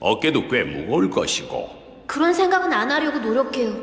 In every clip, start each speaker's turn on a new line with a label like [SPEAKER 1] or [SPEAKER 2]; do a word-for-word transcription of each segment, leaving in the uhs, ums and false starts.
[SPEAKER 1] 어깨도 꽤 무거울 것이고.
[SPEAKER 2] 그런 생각은 안 하려고 노력해요.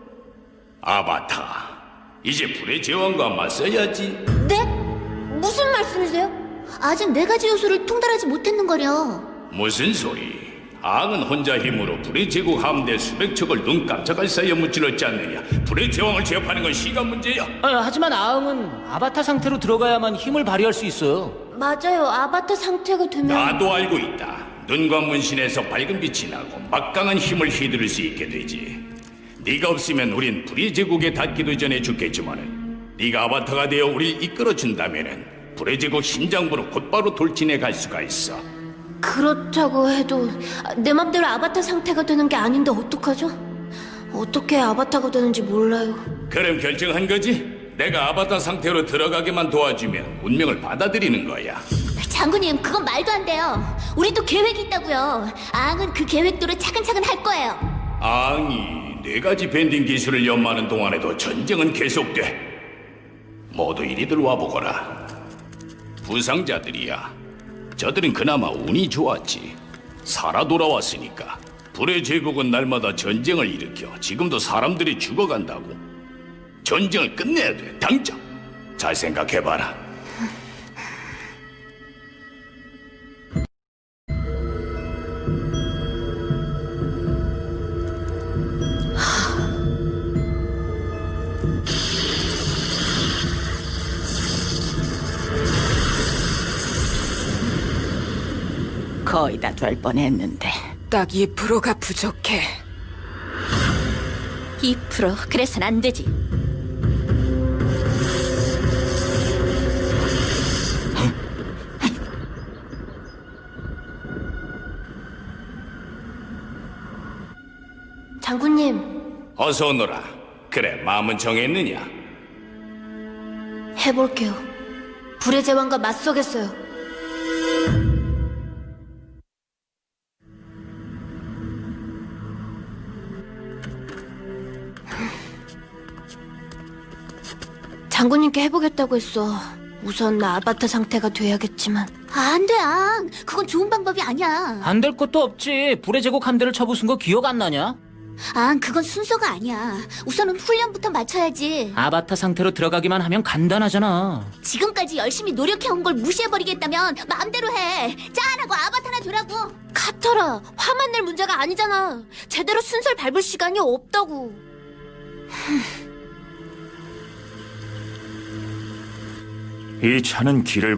[SPEAKER 1] 아바타, 이제 불의 제왕과 맞서야지.
[SPEAKER 2] 네? 무슨 말씀이세요? 아직 네 가지 요소를 통달하지 못했는거려.
[SPEAKER 1] 무슨 소리? 앙은 혼자 힘으로 불의 제국 함대 수백 척을 눈 깜짝할 사이에 무찔렀지 않느냐. 불의 제왕을 제압하는 건 시간 문제야.
[SPEAKER 3] 아, 하지만 아응은 아바타 상태로 들어가야만 힘을 발휘할 수 있어요.
[SPEAKER 2] 맞아요. 아바타 상태가 되면...
[SPEAKER 1] 나도 알고 있다. 눈과 문신에서 밝은 빛이 나고 막강한 힘을 휘두를 수 있게 되지. 네가 없으면 우린 불의 제국에 닿기도 전에 죽겠지만은 네가 아바타가 되어 우릴 이끌어준다면은 불의 제국 심장부로 곧바로 돌진해 갈 수가 있어.
[SPEAKER 2] 그렇다고 해도 내 맘대로 아바타 상태가 되는 게 아닌데 어떡하죠? 어떻게 아바타가 되는지 몰라요.
[SPEAKER 1] 그럼 결정한 거지? 내가 아바타 상태로 들어가게만 도와주면 운명을 받아들이는 거야.
[SPEAKER 2] 장군님, 그건 말도 안 돼요. 우리도 계획이 있다고요. 앙은 그 계획대로 차근차근 할 거예요.
[SPEAKER 1] 앙이 네 가지 밴딩 기술을 연마하는 동안에도 전쟁은 계속돼. 모두 이리들 와보거라. 부상자들이야. 저들은 그나마 운이 좋았지. 살아 돌아왔으니까. 불의 제국은 날마다 전쟁을 일으켜 지금도 사람들이 죽어간다고. 전쟁을 끝내야 돼, 당장. 잘 생각해봐라.
[SPEAKER 4] 거의 다 될 뻔했는데.
[SPEAKER 5] 딱 이 퍼센트가 부족해.
[SPEAKER 2] 이 퍼센트 그래선 안 되지. 장군님,
[SPEAKER 1] 어서 오너라. 그래, 마음은 정했느냐?
[SPEAKER 2] 해볼게요. 불의 제왕과 맞서겠어요. 장군님께 해보겠다고 했어. 우선 나 아바타 상태가 돼야겠지만. 아, 안 돼, 앙. 그건 좋은 방법이 아니야.
[SPEAKER 3] 안 될 것도 없지. 불의 제국 함대를 쳐부순 거 기억 안 나냐?
[SPEAKER 2] 앙, 그건 순서가 아니야. 우선은 훈련부터 마쳐야지.
[SPEAKER 3] 아바타 상태로 들어가기만 하면 간단하잖아.
[SPEAKER 2] 지금까지 열심히 노력해온 걸 무시해버리겠다면 마음대로 해. 짠하고 아바타나 되라고. 카터라, 화만 낼 문제가 아니잖아. 제대로 순서를 밟을 시간이 없다고.
[SPEAKER 6] 이 차는 길을